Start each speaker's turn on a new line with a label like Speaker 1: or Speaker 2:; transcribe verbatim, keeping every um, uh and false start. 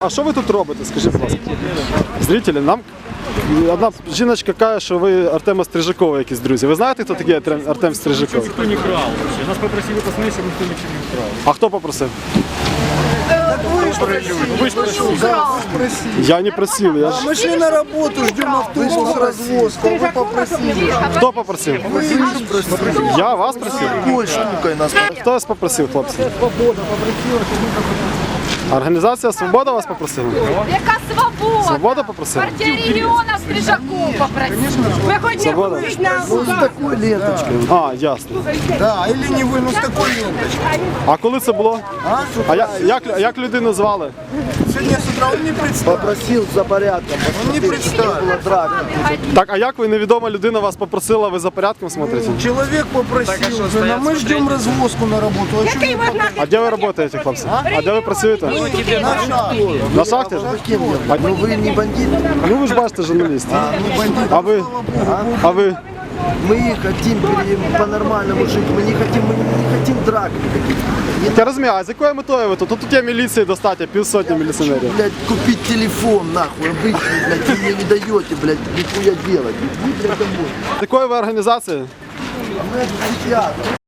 Speaker 1: А що ви тут робите, скажіть, будь ласка? Зрителі, нам одна жіночка каже, що ви Артема Стрижакова якісь друзі. Ви знаєте, хто такий Артем, Артем Стрижаков?
Speaker 2: Ніхто не крав вообще. Нас попросили посмотреть, щоб ніхто нічого не крав.
Speaker 1: А хто попросив?
Speaker 2: Ви ж просили.
Speaker 1: Я не просив, я ж...
Speaker 3: Мы шли на работу, ждем автобус, развозку, а вы попросили.
Speaker 1: Хто попросив? Я вас просив?
Speaker 3: Большенькой нас.
Speaker 1: Хто вас попросив, хлопці? Організація «Свобода» вас попросила?
Speaker 4: Яка свобода?
Speaker 1: «Свобода» попросила?
Speaker 4: Партія регіона Стрижаков попросила. Ми хочемо
Speaker 1: «Свобода».
Speaker 4: вийти на
Speaker 3: Ну, с такой ленточкой.
Speaker 1: А, ясно.
Speaker 3: Да, или не вы, ну с такой ленточкой.
Speaker 1: А коли це було?
Speaker 3: А,
Speaker 1: А я, як, як людину звали?
Speaker 3: Сегодня с утра он не представил. Попросил за порядком. Он не представил. Драка.
Speaker 1: Так, а як ви, невідома людина, вас попросила, ви за порядком смотрите?
Speaker 3: Человек попросил, а мы ждем развозку на работу. А что вы
Speaker 1: А де ви працюєте, хлопці? А де ви працюєте?
Speaker 3: на шаг?
Speaker 1: На шахті? А,
Speaker 3: Ну вы не бандит.
Speaker 1: ну ви ж бачите, журналіст.
Speaker 3: Не бандит.
Speaker 1: А ви? А ви?
Speaker 5: Мы хотим пере- по-нормальному жить, мы не хотим, мы не хотим драк никаких.
Speaker 1: Я розумію, а з якою метою ви тут? Тут є міліції достатньо, півсотні міліціонерів.
Speaker 5: Блядь, купить телефон, нахуй, обычный, блядь, вы мне не даете, блядь, нихуя делать. Иди, блядь, домой.
Speaker 1: З якої ви організації?
Speaker 5: Блядь, психиатр.